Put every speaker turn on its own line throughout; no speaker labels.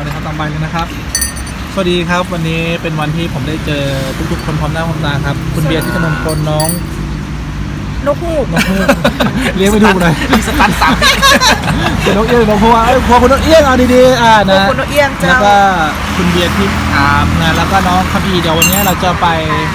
เอาเลยครับตามไปเลยนะครับสวัสดีครับวันนี้เป็นวันที่ผมได้เจอทุกๆคนพร้อมหน้าพร้อมตาครับคุณเบียร์ที่ถนนคนน้อง
นกฮูก
เลี้ยงไปดูหน่อย
สตัน3
เป็นนกเอี้ยงนกพัวพอคุณนกเอี้ยงเอาดีๆนะ
คุณนกเอี้ยงเจ้า
แล้วก็คุณเบียร์ที่งานแล้วก็น้องคัมพีเดี๋ยววันนี้เราจะไป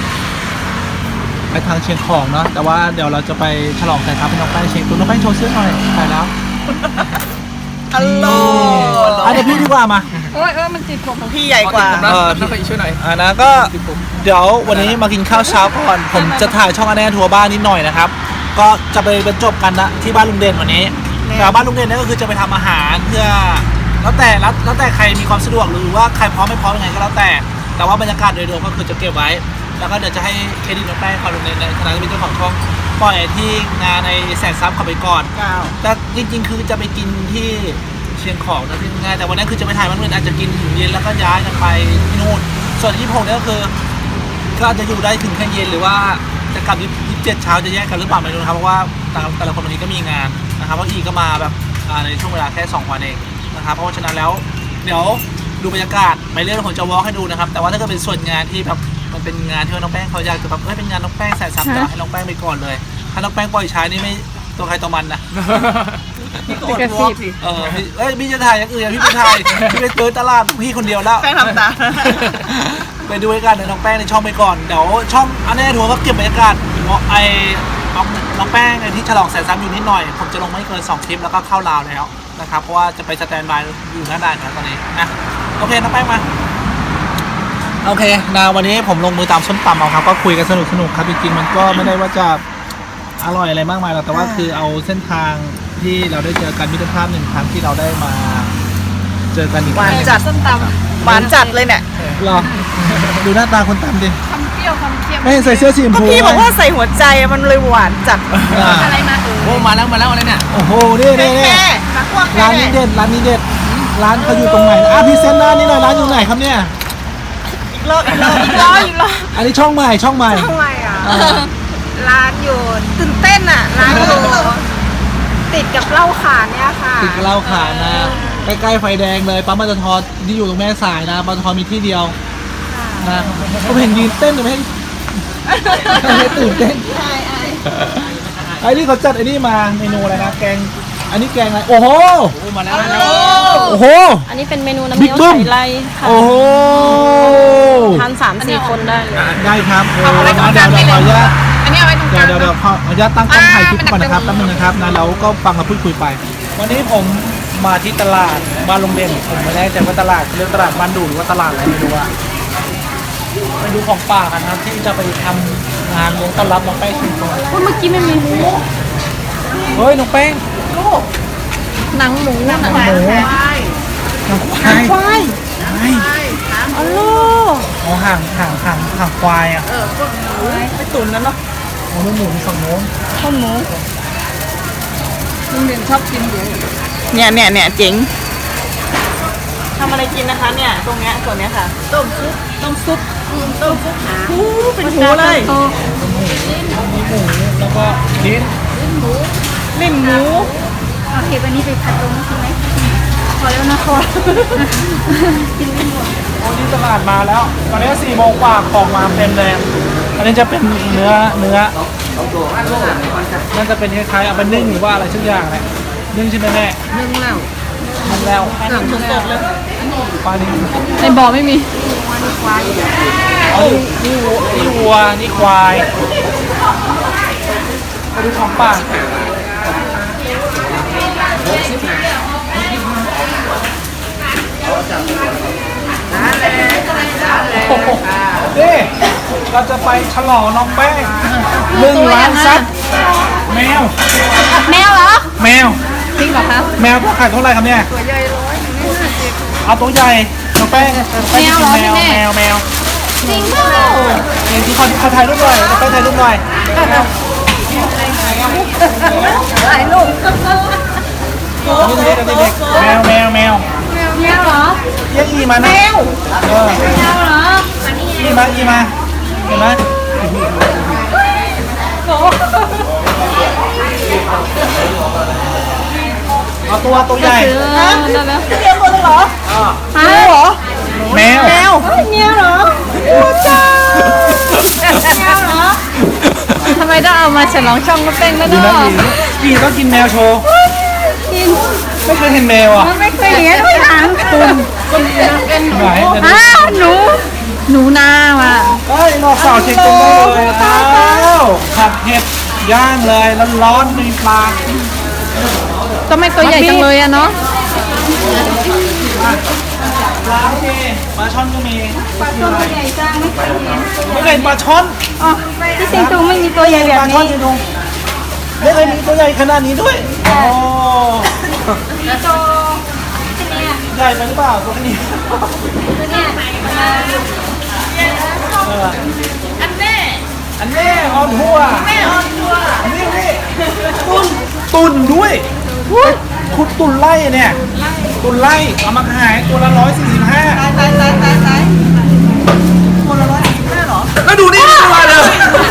ทางเชียงของเนาะแต่ว่าเดี๋ยวเราจะไปฉลองกันครับเป็นน้องแป้งเชียงตัวน้องแป้งโชว์เสื้อหน่อยไปแล้ว
ฮัลโหล
เดี๋ยวพี่ดีกว่ามา
มันติดผมของพี่ใหญ่กว่า
พี่ไปช่วยหน่อย
นะก็เดี๋ยววันนี้มากินข้าวเช้าก่อนผมจะถ่ายช่องอันแน่ทัวร์บ้านนิดหน่อยนะครับก็จะไปบรรจบกันนะที่บ้านลุงเด่นวันนี้แต่บ้านลุงเด่นนี่ก็คือจะไปทำอาหารเพื่อแล้วแต่ใครมีความสะดวกหรือว่าใครพร้อมไม่พร้อมยังไงก็แล้วแต่ว่าบรรยากาศโดยรวมก็คือจะเก็บไว้แล้วก็เดี๋ยวจะให้เครดิตน้องแป้งคอยลุงเด่นในฐานะที่เป็นเจ้าของช่องปล่อยที่งานในแสนซับเข้าไปก่อนแต่จริงๆคือจะไปกินที่เชียงของนะที่ง่ายแต่วันนั้นคือจะไปถ่ายมันอาจจะกินถึงเย็นแล้วก็ย้ายกันไปที่นู่นส่วนที่ผมเนี่ยก็คือก็อาจจะอยู่ได้ถึงแค่เย็นหรือว่าจะกลับ27เช้าจะแยกกันหรือเปล่าไม่รู้นะครับเพราะว่าแต่ละคนวันนี้ก็มีงานนะครับเพราะอีก็มาแบบในช่วงเวลาแค่2 วันเองนะครับเพราะฉะนั้นแล้วเดี๋ยวดูบรรยากาศไปเรื่อยผมจะวอล์กให้ดูนะครับแต่ว่าถ้าเกิดเป็นส่วนงานที่แบบมันเป็นงานที่น้องแป้งเขาอยากจะแบบเป็นงานน้องแป้งแสนซับจะให้น้องแป้งไปก่อนเลยถ้าน้องแป้งปล่อยใช้นี่ไม่ตัวใครตัวมันนะ
พี่กระซิบ
พี่จะถ่ายอย่างอื่นพี่ไปถ่ายพี่ไปเจอตลาดพี่คนเดียวแล้ว
แป้งทำตา
ไปดูบรรยากาศในน้องแป้งในช่องไปก่อนเดี๋ยวช่องอันแน่ทัวร์ก็เก็บบรรยากาศน้องแป้งที่ฉลองแสนซับอยู่นิดหน่อยผมจะลงไม่เกิน2 คลิปแล้วก็เข้าลาวแล้วนะครับเพราะว่าจะไปสแตนบายอยู่หน้าด่านนะตอนนี้นะโอเคน้องแป้งมาโอเคนะวันนี้ผมลงมือตามส้มตำเอาครับก็คุยกันสนุกครับจริงๆมันก็ไม่ได้ว่าจะอร่อยอะไรมากมายหรอกแต่ว่าคือเอาเส้นทางที่เราได้เจอกันมิตรภาพ1 ครั้งที่เราได้มาเจอกันอีก
หวานจัดส้มตำหวานจัดเลยเนี่ย
รอดูหน้าตาคนตำดิ
คำเปรี้ยวคำเค็ม
ไม่ใส่เสื้อสีชมพู
พี่บอกว่าใส่หัวใจมันเลยหวานจัดอะไรมา
โอ้มาแล้วอะไรเนี่ย
โอ้โหนี่ร้านนี้เด็ดร้านเขาอยู่ตรงไหนพรีเซนต์ร้านนี้หน่อยร้านอยู่ไหนครับเนี่ย
อีกรอบ
อันนี้ช่องใหม่
ร้านอยู่ตื่นเต้นอ่ะร้านอยู่ติดกับเหล้าขาวเนี่ยค่ะ
ติดกับเหล้าขาวนะใกล้ๆไฟแดงเลยปั๊มปตทที่อยู่ตรงแม่สายนะปตทมีที่เดียวนะผมเห็นยืนเต้นหรือไม่ตื่นเต้นไอ้นี่เขาจัดไอ้นี่มาเมนูอะไรนะแกงอันนี้แกงอะไรโอ้โห
มาแล้ว
โอ้โห
อันนี้เป็นเมนูน้ำเงี้ยวใส่ไรค่ะ
โอ้โห
ทาน3-4 คนได้เลย
ได้ครับเดี๋ยวขออนุญาตเดี๋ยวขออนุญาตตั้งกล้องถ่ายคลิปก่อนนะครับแป๊บนึงนะครับนะแล้วก็ฟังกับพูดคุยไปวันนี้ผมมาที่ตลาดบ้านลุงเด่นผมไม่แน่ใจว่าตลาดเรียกตลาดบ้านดูหรือว่าตลาดอะไรไม่รู้อะไปดูของป่ากันครับที่จะไปทำงานเลี้ยงต้อนรับน้องแป้งชิมก่อน
เมื่อกี้ไม่มีหมู
เฮ้ยน้องแป้ง
หนังหมู
หนังควาย
อ๋อโล
เอาห่างควายอ่ะ
ไปตุ๋นแล้วเนาะ
โอ้หมูฝั่งโน้น
ข้าวหมูลุงเด่นชอบกินอยู่
เนี่ยเจ๋ง
ทำอะไรกินนะคะเนี่ยตรงเนี้ยส่วนเนี้ยค่ะต้มซุป
เป็นหมูเลย
มีหมูแล้วก็ลิ้น
หมู
โอเควันนี้ไปผัดตรงนี้ใช่ไหมพอแล้วนะพอกินไม่หมด
วันนี้ตลาดมาแล้วตอนนี้4 โมงกว่าของมาเต็มเลยอันนี้จะเป็นเนื้อน่าจะเป็นคล้ายๆเอาไปนึ่งหรือว่าอะไรสักอย่างแหละนึ่งใช่ไหมแม่
นึ่งแล้ว
หนังสดๆเลย
ปลาดิบ
ในบ่อไม่มี
นี่วัวนี่ควายไปดูของป่านี่เราจะไปฉลองน้องแป้ง1 ล้านซับแมว
เหรอ
แมว
จริงเหรอคะ
แมวตัวขายเท่าไหร่ครับเนี่ย
ตัวใหญ่150
เอาตัวใหญ่น้องแป้ง
แมว
จริงเปล่าที่เขาถ่ายรูปหน่อยน้องแป้งถ่ายรูปหน่อย
ถ่ายรูป
แมว
เหรอ
เรียกอีมานะ
แมวเหรอ
อีมาเห็นไหมเอาตัวใหญ่
เดียวคนเหรอมาฉลองช่องก็เป็นแล้ว
ดู
เนาะ
นะพี่ต้องกินแมวโชว์
กิน
ไม่เคยเห็นแมวอ่ะ
ไม่เคยเห็นไม่ถามคุณ
ไหนจะดู
อ้าวหนูนาว่ะ
เอ้ยนอกสาวเช็คตรงได้เลยอ้าวผัดเห็ดย่างเลยร้อนๆมีปลา
ก็ไม่ตัวใหญ่จังเลยอะเนาะ
ปลาโอเคปลาช่อนก็มี
ปลาตัวใหญ่จังไม่เคยเห็น
ไม่เคยเห็นปลาช่อน
อ๋อที่สิงตูไม่มีตัวใหญ่แบบ
ปลาช่อน
นี้
จริงๆไม่เคยมีตัวใหญ่ขนาดนี้ด้วยโอ้
แล้วตัวเนี่ย
ใหญ่ไปหรือเปล่าตัวนี้
ตัวเนี่ย
เออ
อันแน่
อันนี้ออนทัวร์
แม่ออนทัวร์
อันนี้ตุนด้วยคุณตุนไล่เนี่ยตุนไล่เอามาขายตัวละ145
ตายตัวละ145เหรอ
แล้วดูนี่ตัวอะไรเลย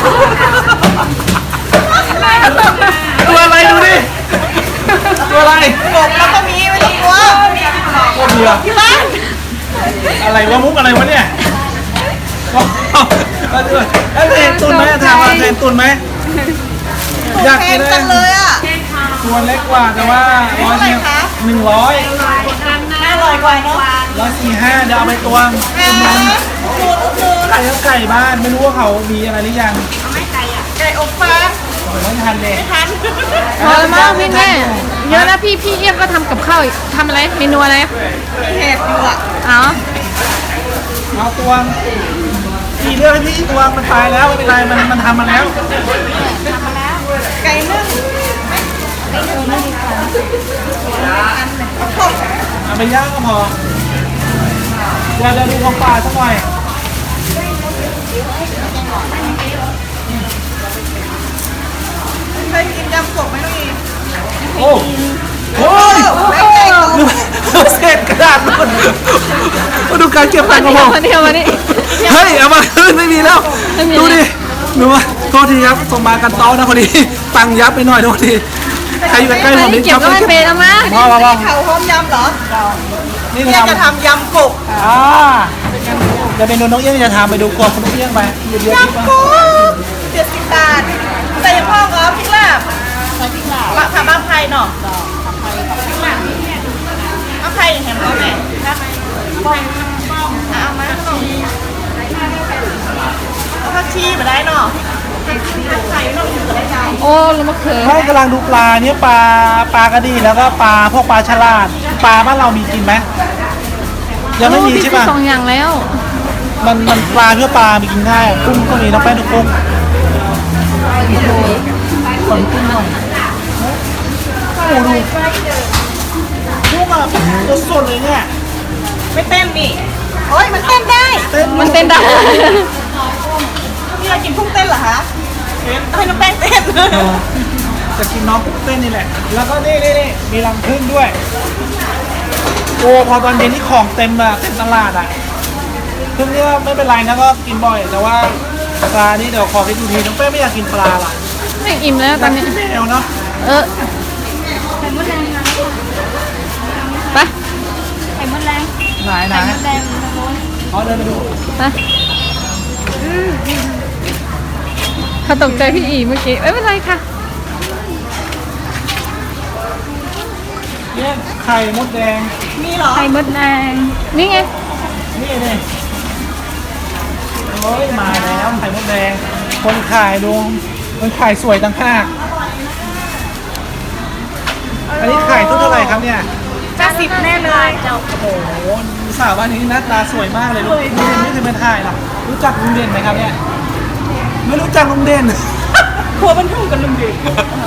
ตัวอะไรดูดิตัวอะไร
กบแล้วก็มีไม่ต้องกลัว
ตัวเดียว
ที่บ้าน
อะไรวะมุกอะไรวะเนี่ยแล้วเห็นตุนไหมถามว่าเห็นตุนไหมอยาก
แพ
กิ
ง
น
จังเลยอ่ะ
ตัวเล็กกว่าแต่ว่า100
เท่าไหร่คะ
100
500กว่าเนาะ
145เดี๋ยวเอาไปตวง
คูณ
ไก่ไก่บ้านไม่รู้ว่าเขามีอะไรหรือยัง
ไก่อบฟาง
ผมไม่ทันเลย
ทัน
พอแล้วมั้งพี่แม่เยอะนะพี่เอี้ยมก็ทำกับข้าวอีกทำอะไรเมนูอะไร
เห็ดอยู่อ่ะ
อ๋อ
เอาตวงกี่เรื่องให้พี่ตวงมันตายแล้วไม่เป็นไรมันทำมาแล้ว
ไก่นึ่ง
เอาไปย่างก็พอเดี๋ยวดูของป่าสักหน่อย
เคยกินยำกบไหมน้องอี
โอ้โหเศษกระดาษหมดมาดูการเก็บตังค์ของผม
มาเดียวมานี่
เฮ้ยเอามาคืนไม่มีแล้ว
ไม่มี
ดูดิหนูว่าโทษทีครับส่งมากันโต๊ะนะพอดีตังค์ยับไปหน่อยโทษทีใครอยู่ใกล้ๆผมนี่
เก็บไว้มันเป็นเอามา
มา
เขาหอมยำเหรอ
นี่
เนี่ยจะ
ทำ
ทำยำกบ
จะเป็นน้องเอี้ยงจะทำไปดูกบคุณน้องเอี้ยงไปเดี๋ยว
ยำกบ70 บาทใส่พ่อเหรอพริกลาบใส่พริกลาบผักบ้าไผ่เนาะบ้าไผ่เห็นไหมแม่เอามาขนมเอาผักชีมาได้เนาะผักไข่เนาะอยู่กับได้ใจ
โอ้แล้วมะเขือ
ไม่กำลังดูปลาเนี่ยปลากระดีแล้วก็ปลาพวกปลาฉลาดปลาบ้านเรามีกินไหมยังไม่มีใช่ป่ะ
สองอย่างแล้ว
มันปลาเพื่อปลามีกินง่ายกุ้งก็มีน้องแป้งทุกกุ้งขนกุ้งหน่อยโอ้ดูกุ้งอ่ะตัวสดเลยเนี่ย
ไม่เต้นนี่โอ้ยมันเต้นได้
มันเต้นได้
พี่เรากินพุ่งเต้นเหรอคะให้น้องแป้งเต้น
จะกินน้องกุ้งเต้นนี่แหละ แล้วก็นี่มีรังผึ้งด้วย โอ้พอตอนเย็นนี่ของเต็มอะเต็มตลาดอะพึ่งเนี่ยไม่เป็นไรนะก็กินบ่อย แต่ว่าปลานี่เดี๋ยวขอไปดูทีน้องแป้งไม่อยากกินปลาล่ะ
ไม่อิ่มแล้วตอนนี้
แมวเนาะ
เออไปไข่มดแรง
ไหน
แดง
อ๋อเดินไปดู
ไปเขาตกใจพี่อีเมื่อกี้ไม่เป็นไรค่ะ
เนี่ยไข่มดแดง
มีเหรอ
ไข่มดแดงนี่ไง
นี่โอ้ยมาแล้วไข่มดแดง คนขายดูคนขายสวยตั้งห้ากอันนี้ขายเท่าไหร่ครับเนี่ย
90แน่เลย
โอ้โหสาวบ้านนี้หน้าตาสวยมากเลยลุงเด่นไม่เคยมาถ่ายหรอกรู้จักลุงเด่นไหมครับเนี่ย ไม่รู้จักลุงเด่น
ครัวบรรทุกกันลุงเด็ก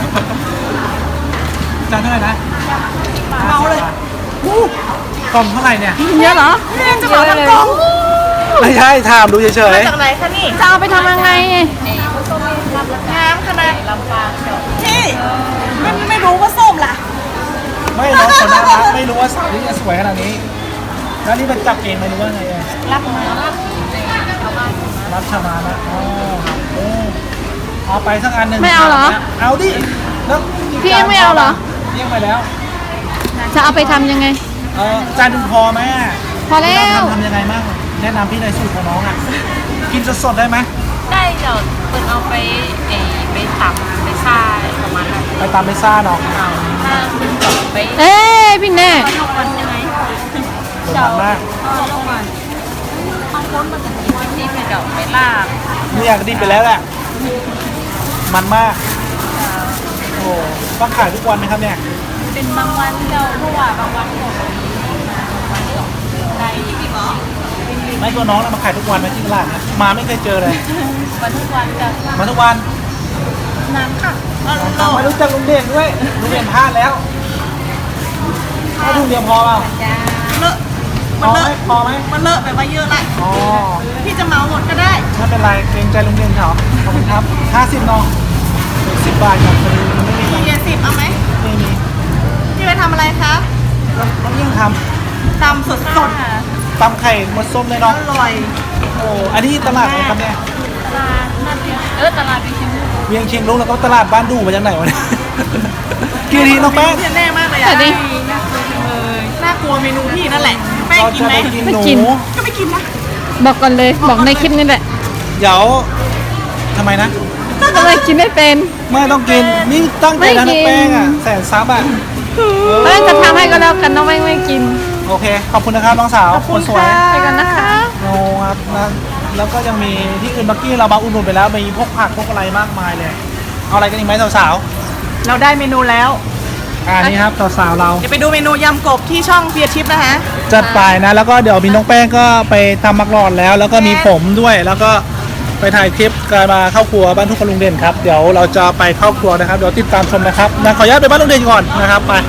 จานเท่าไหร่นะ
เมาเลย
อู้กล่องเท่าไหร่เนี่ย
เยอะเหรอ
แม่จะเหมาทั้งกล่อง
ไม่ใช่ถามดูเฉ
มาย จากไหนคะนี่
จะเอาไปทำยังไง
น้ำขนาดลำปางพี่ไม่รู้ว่าส้มล่ะ
ๆไม่น้องคนน่ารักไม่รู้ว่าสาวที่จะสวยขนาดนี้ แล้วนี่มันจับเองไหมหรือว่าไงอะ
รับมา
รับชามานะอ๋อโอ้เอาไปสักอันหนึ่ง
ไม่เอาเหรอ
เอาดิแล้ว
พี่ไม่เอาเหรอ
เรียกไปแล้ว
จะเอาไปทำยังไง
จานหนึ่งพอไหมอะ
พอแล้ว
ทำยังไงบ้างแนะนำพี่ในอยสูตรของน้องอ่ะ กินสดๆได้ไหม
ได้เดี๋ยวเปิดเอาไป
ไปตับไปซ่าอะไรประมาณนั้น
ไปตามเมซ่าเนาะ
ถ้าคุณจบไป
เอ้ยพี่แน่
ทุกวันใช่ไหม
มันมาก
ทุกวันข้างบนมันจะมีวันที่ไปเดาไปลาบ
ไม่อยากดีไปแล้วแหละมันมากโอ้ต้องขายทุกวันไหมครับเนี่ย
เป็นบางวันเจ้าเพราะว่าบางวันของวันเดียวได้ที่บอก
ไม่ตัวน้องนะมาขายทุกวันไหมที่ตลาดนะมาไม่เคยเจอเลย
วันทุกวันจะ
มาทุกวัน
น้ำค่ะ
มารู้จักลุงเด่นด้วยลุงเด่นพลาดแล้วแค่ถุงเดียวพอเปล่า
จ้า
เลอะ
พ
มัน
อ
เล
ไหม
อะ
พอไหม
มันเลอะแบบว่าเยอะละ
อ๋อ
พี่จะเมาหมดก็ได้
ไม่เป็นไรเกรงใจลุงเด่นเขาขอบคุณครับ50เนาะ10 บาทครับพอดีมันไม่มี
มี70เอาไหม
ไม่มี
พี่ไปทำอะไรคะ
ต้องยิ่งท
ตำสด
ำตำไข่มดส้มเลย
ๆอ
เนาะ
ร่อย
โอ้อันนี้ตลาดอะไรครับเนี่ย
ตลาดนัดเดียวตลาดไปชิม
เวียงเชียงรุ้งแล้วก็ตลาดบ้านดูมาจากไหนวะเนี่ย กี่ทีน้องแป้ง
เมนูที่แน่มากเลย
สวั
อะ
สดี
น่ากลัวเมนูพี่นั่นแหละแป้ง
เรา
กิน
จะ
ไหม
ไปกิน
ไม่
หนู
กิน
ก็ไม่กินนะ
บอกก่อนเลยบอกในคลิปนี่แหละ
เดี๋ยวทำไมนะ
ทำไมกินไม่เป็น
ไม่ต้องกินนี่ตั้งใจแล้ว
ไม่
น้อง
กิน
แป้งอ่ะแสนซับอ่ะ
เอ้ยจะทำให้ก็แล้วกันน้องไม่กิน
โอเคขอบคุณนะครับน้องสาวคนสวย
ไปกันนะคะ
โอ้ครับนะแล้วก็ยังมีที่อื่นเมื่อกี้เรามาอุดหนุนไปแล้วมีพวกผักพวกอะไรมากมายเลยเอาอะไรกันอีกไหมสาว
เราได้เมนูแล้ว
ๆนี่ครับสาวๆเรา
เดี๋ยวไปดูเมนูยำกบที่ช่องเบียร์ชิปนะคะ
จัดไปนะแล้วก็เดี๋ยวมีน้องแป้งก็ไปทำมักหลอดแล้ว แล้วก็มีผมด้วยแล้วก็ไปถ่ายคลิปการมาเข้าครัวบ้านทุกคนลุงเด่นครับเดี๋ยวเราจะไปเข้าครัวนะครับเดี๋ยวติดตามชมนะครับนะขออนุญาตไปบ้านลุงเด่นก่อนนะครับไป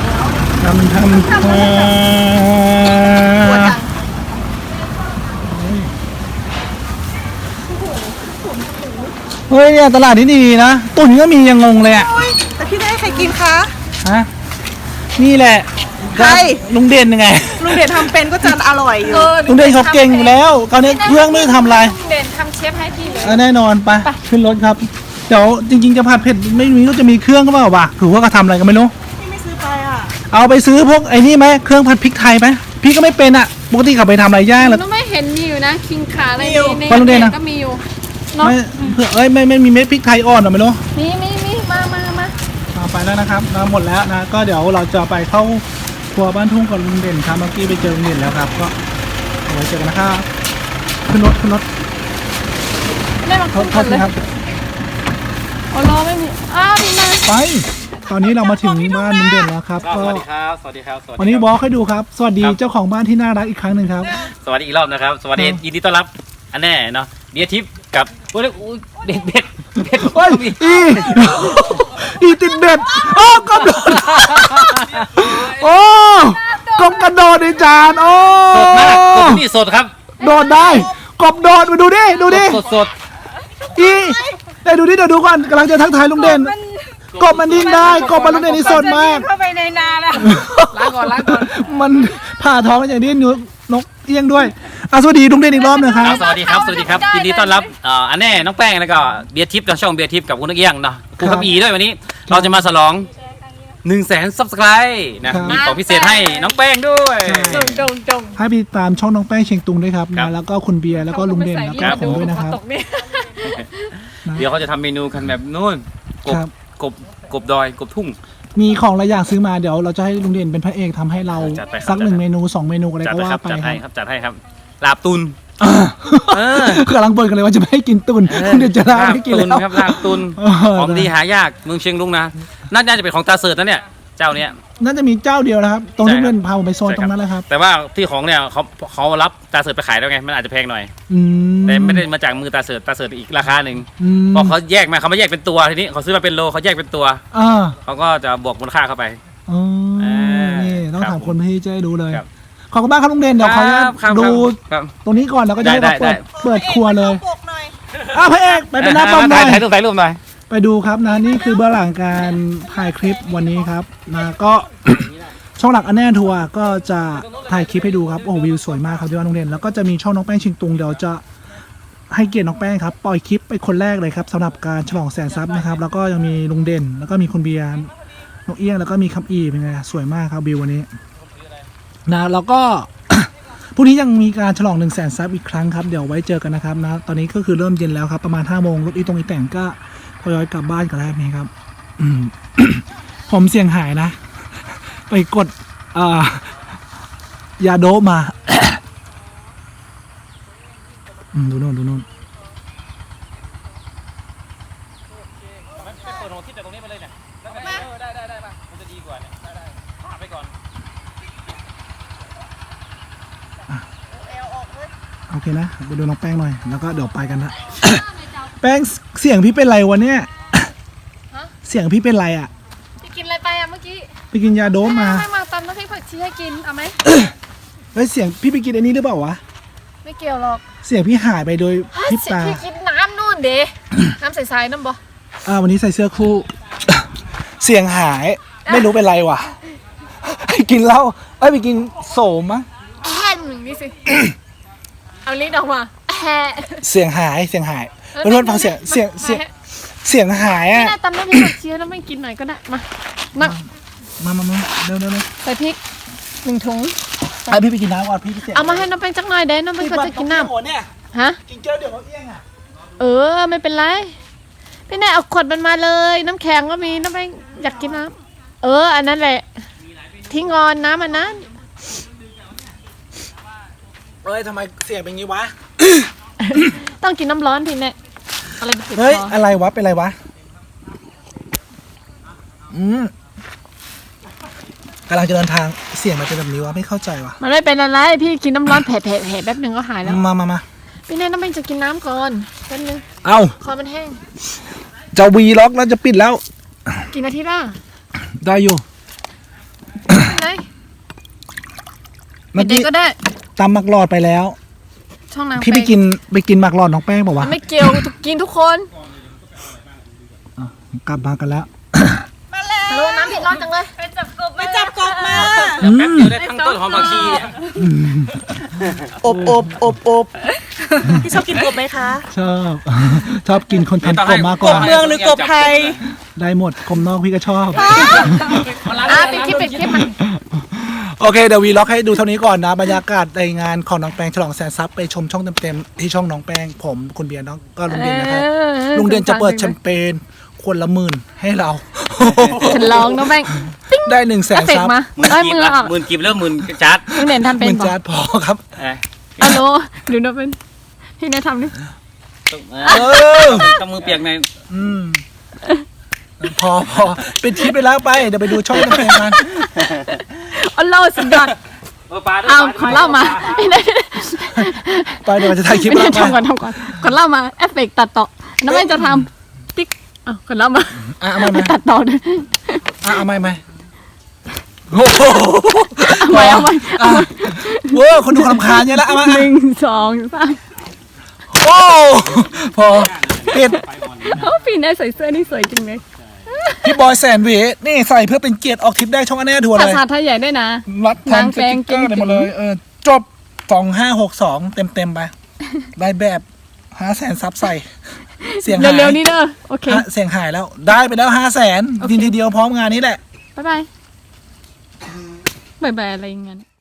เฮ้ยเนี่ยตลาดที่ดีนะตุ่นก็มียังงงเลยอ่ะ
โอ้ยแต่พี่ได้ให้ใครกินคะ
ฮะนี่แหละ
ใคร
ลุงเด่นยังไง
ลุงเด่นทำเป็นก็จะอร่อยอยู่
ลุงเด่นเขาเก่งอยู่แล้วคราวนี้เครื่องไม่ได้ทำอะไร
เด่นทำเชฟให้พี่เลย
แน่นอนไปขึ้นรถครับเดี๋ยวจริงๆจะผัดเผ็ดไม่มีก็จะมีเครื่องก็เปล่าวะถือว่าเขาทำอะไรกันไม่รู้
พี่ไม่ซื้อไปอ่ะ
เอาไปซื้อพวกไอ้นี่ไหมเครื่องผัดพริกไทยไหมพี่ก็ไม่เป็นอ่ะปกติเขาไปทำอะไรย่างหรือ
น้องไม่เห็นมีอยู่นะคิงขาอะไร
มีอยู่
ใน
ฟังดูดินะ
ก็มีอยู่เนาะ
ไม่เผื่อไม่มีเม็ดพริกไทยอ่อนหรอไม่รู้
มีมา
เอาไปแล้วนะครับมาหมดแล้วนะก็เดี๋ยวเราจะไปเข้าครัวบ้านทุ่งกับลุงเด่นครับเมื่อกี้ไปเจอลุงเด่นแล้วครับก็เอาไว้เจอกันนะครับขึ้นรถ
แม่มา
โท
คุ
ษ
ยกันเลย
นะครับ
อ๋อรอไม่มีอ้าวนี่มา
ไปตอนนี้เรามาถึงบ้านลุงเด่นแล้วครับ
ก็
ก็
สวัสดีครับสวัสดีครับสวัสดี
วันนี้
ครับ
บอกให้ดูครับสวัสดีเจ้าของบ้านที่น่ารักอีกครั้งหนึ่งครับ
สวัสดีอีกรอบนะครับสวัสดี
ครับ
ยินดีต้อนรับอันแน่เนาะเดียทิพย์กับโอ้ยเด็ดเด็ด
โอ้ยอีติดเบ็ดโอ้กบโดดโอ้กบกระโดดในจานโอ้
สดมากสดนี่สดครับ
โดดได้กบโดดมาดูดิดูดิ
สดสด
อีได้ดูดิเดี๋ยวดูก่อนกำลังจะทักทายลุงเด่นกบมันดิ้นได้กบมันลุงเด่นนี่สดมาก
เข้าไปในนาแล้ว
ล้างก่อนล้างก่อน
มันผ่าท้องอย่างนี้นกเอี้ยงด้วยสวัสดีลุงเด่นอีกรอบหนึงครับ
สวัสดีครับสวัสดีครับยินดีต้อนรับอันแน่น้องแป้งแล้วก็เบียร์ทิพย์ทางช่องเบียร์ทิพย์กับคุณนักเอี้ยงเนาะคุณขับอีด้วยวันนี้ เราจะมาฉลอง100,000 Subscribe นะมีของพิเศษให้น้องแป้งด้วย
จง
ให้ไปตามช่องน้องแป้งเชียงตุงด้วยครับ
ครับ
นะแล้วก็คุณเบียร์แล้วก็ลุงเด่นแล้วก็ผมด้วยนะครับ
ตกเนี่ย
เดี๋ยวเขาจะทำเมนูกันแบบนู่นกบ
ครับ
กบดอยกบทุ่ง
มีของหลายอย่างซื้อมาเดี๋ยวเราจะให้ลุงเด่นเป็นพระเอกทำให้เรา
จัดไปครับ
สัก1 เมนู 2 เมนูอะไร
จัด
ก็
ไป
ว่า
ครับ
ไป
จัด
ค
ให้
รับ
ครับจัดให้ครับลาบตุน เออ
กำลังบ่นกันเลยว่าจะไม่ให้กินตุนคุณเด่นจะลาไม่กิน
ตุน
แล้ว
ครับลาบตุน
เออ
ของดีหายากเมืองเชียงรุ้งนะน่าจะเป็นของตาเสิร์ตนะเนี่ยเจ้าเนี้ย
น่าจะมีเจ้าเดียวนะครับ ตรงที่
ใช่ครับ
เพื่อนพาผมไปโซนตรงนั้นแหละครับ
แต่ว่าที่ของเนี่ยเขารับตาเสิร์ตไปขายแล้วไงมันอาจจะแพงหน่อย
อืม
แต่ไม่ได้มาจากมือตาเสิร์ตอีกราคาหนึ่ง
อืม
เพราะเขาแยกมาเขาไม่แยกเป็นตัวทีนี้เขาซื้อมาเป็นโลเขาแยกเป็นตัว
อ่า
เขาก็จะบวกมูลค่าเข้าไป
อ๋อ นี่ต้อง
ครับ
ถามคนที่จะได้รู้เลย
ครับ
ขอบคุณมากครับลุงเด่นเดี๋ยวขออนุญาต
ครับ
ดู
ครับ
ตรงนี้ก่อนแล้วก็จะให้
ได้
เรา
ได้
เปิดครัวเลย
ปกหน่อย
พระเอกไปเป็นหน้าป้อมหน่อย
ถ่ายรูปหน่อย
ไปดูครับนะนี่คือเบื้องหลังการถ่ายคลิปวันนี้ครับนะก็ ช่องหลักอันแน่ทัวร์ก็จะถ่ายคลิปให้ดูครับโอ้วิวสวยมากครับที่บ้านลุงเด่นแล้วก็จะมีช่องน้องแป้งชิงตุงเดี๋ยวจะให้เกียรติน้องแป้งครับปล่อยคลิปไปคนแรกเลยครับสำหรับการฉลองแสนซับนะครับแล้วก็ยังมีลุงเด่น แล้วก็มีคุณเบียร์น้องเอี้ยงแล้วก็มีคำอีเป็นไงสวยมากครับวิววันนี้นะแล้วก็ พรุ่งนี้ยังมีการฉลอง100,000 ซับอีกครั้งครับเดี๋ยวไว้เจอกันนะครับนะตอนนี้ก็คือเริ่มเย็นแล้วครับประมาณ5 โมงรถอีตรงอีแต่งก็ทยอยกลับบ้านกันแล้วนี่ครับ ผมเสี่ยงหายนะ ไปกดยาโดปมา ดูโน่นดูโน่น
ไปเปิดหัวทิศจากตรงนี้ไปเลยเนี่ยแล้วกันได้มามันจะดีกว่าเนี่ยได้พาไปก่อน
โอเคนะไปดูน้องแป้งหน่อยแล้วก็เดี๋ยวไปกันนะ แป้งเสียงพี่เป็นไรวะเนี่ย เสียงพี่เป็นไรอ่ะ
พี่กินอะไรไปอะเมื่อกี้
ไปกินยาโดปมา
ให้มาตำน้ำพริกผักชีให้กินเอาไหม
เฮ้ยเสียงพี่ไปกินอันนี้หรือเปล่าวะ
ไม่เกี่ยวหรอก
เสียงพี่หายไปโดยพริบตา
พี่กินน้ำนู่นเด้ น้ำใสๆน้ำบ่
วันนี้ใส่เสื้อคู่ เสียงหายไม่รู้เป็นไรวะ ไปกินเหล้าไปกินโสมมั้ง
แค่หนึ่งนี่สิ เอาลิ้นออกมาแฮะ
เสียงหายเพื่อนๆฟังเสียงหาย
ไม่
อ่ะ
ได้ตำน้ำพริกผักชีแล้วไม่กินหน่อยก็ได้มา
มาเร็ว
ใส่พริก1 ถุง
พี่ไปกินน้ำก่อนพี่เสียง
เอามาให้น้องแป้งจักหน่อยเด้น้องแป้งเขาจะกินน้
เนี่ย
ำฮะ
กินเจ้าเดี๋ยวเขาเอี้ยงอ่ะ
ไม่เป็นไร พี่นายเอาขวดมันมาเลย น้ำแข็งก็มีน้ำแป้งอยากกินน้ำอันนั้นแหละทิ้งงอนน้ำอันนั้น
ทำไมเสียงเป็นงี้วะ
ต้องกินน้ำร้อนพี่เนี่ยอะไรไปติด
เฮ้ย
คอ
อะไรวะเป็นไรวะกำลังจะเดินทางเสียงมันเป็นแบบนี้วะไม่เข้าใจวะ
มันไม่เป็นอะไรพี่กินน้ำร้อนแผลแป๊บหนึ่งก็หายแล้ว
มา
พี่นายน้ำแป้งจะกินน้ำก่อนแป๊บนึง
เอ้า
คอมันแห้ง
จะวีล็อกแล้วจะปิดแล้ว
กี่นาทีล่ะ
ได้อยู่
ไหน
เมื่อ
เด็ก
กี้
ก็ได้
ตำหมักหลอดไปแล้ว
ช่องนาง
พี่ไปกินหมักหลอดน้องแป้งบอกว่า
ไม่เกี่ยวกินทุกคน
กลับมากันแล้ว
ฮัลโหลน้ำเผ็ดร้อนจังเลย
ไปจับกบมา
แป๊บเดียวได้ทั้งต้นหอมผักชีเนี่ย
อบพี่ชอบกินกบไหมคะ
ชอบกินคนทำกบมากก
ก
ว่า
บเมืองหรือกบไทย
ได้หมดกบนอกพี่ก็ชอบ
ปิดคลิปมัน
โอเคเดี๋ยววีล็อกให้ดูเท่านี้ก่อนนะบรรยากาศในงานของน้องแป้งฉลองแสนทรัพย์ไปชมช่องเต็มๆที่ช่องน้องแป้งผมคุณเบียร์น้องก็ลุงเด่นนะครับลุงเด่นจะเปิดแชมเปญคนละ10,000ให้เรา
ฉันลองน้องแป้ง
ได้100,000
เอฟเฟก
ซับ
ต์มา
หมื่น
เอ้ย
กีบ
มือ
ละ
ออก
หมื่นกีบแล้วหมื่นจัด
น้องเด่นทำเป็น
10,000
บอก
จานพอครับ
ฮัลโหลหรือน้องเป็นพี่นายทำดิ
ต้องมือเปียกใน
พอเป็นคลิปไปแล้วไปเดี๋ยวไปดูช่องน้องแป้งกัน
อัลโหลสุดยอด
ปลา
เอาขอเล่ามาพี่นาย
ไปเดี๋ยวจะถ่ายคลิป
พี่
แล้
นายว ทำก่อนขอเล่ามาเอฟเฟกต์ตัดต่อน้องแป้งจะทำติ๊กขอเล่ามา
เอาใหม่
ตัดต่อด้วย
เอาใหม่โอ้โห
เอาใหม่
เว้ยคนดูรำคาญเยอะแล้วเอามา
1 2 3
โอ้พอปิด
พี่นายใส่เสื้อนี่สวยจริงเลย
พี่บอยแสนหวีนี่ใส่เพื่อเป็นเกียรติออกทริปได้ช่องอันแน่ทัวร์เล
ภาย ษาไทยใหญ่ด้วยนะ
รัดแทน
นาง
ส
แปล
ติ๊
ง
กเกอร์อะไรหมดเลยจบ2562เต็มไปได้แบบ500,000ซับใส่เสียงหาย
เร็วๆนี้เด้อโอเค
เสียงหายแล้วได้ไปแล้ว500,000ทีเดียวพร้อมงานนี้แหละ
บ๊ายบายบ๊ายบายอะไรอย่างเงี้ย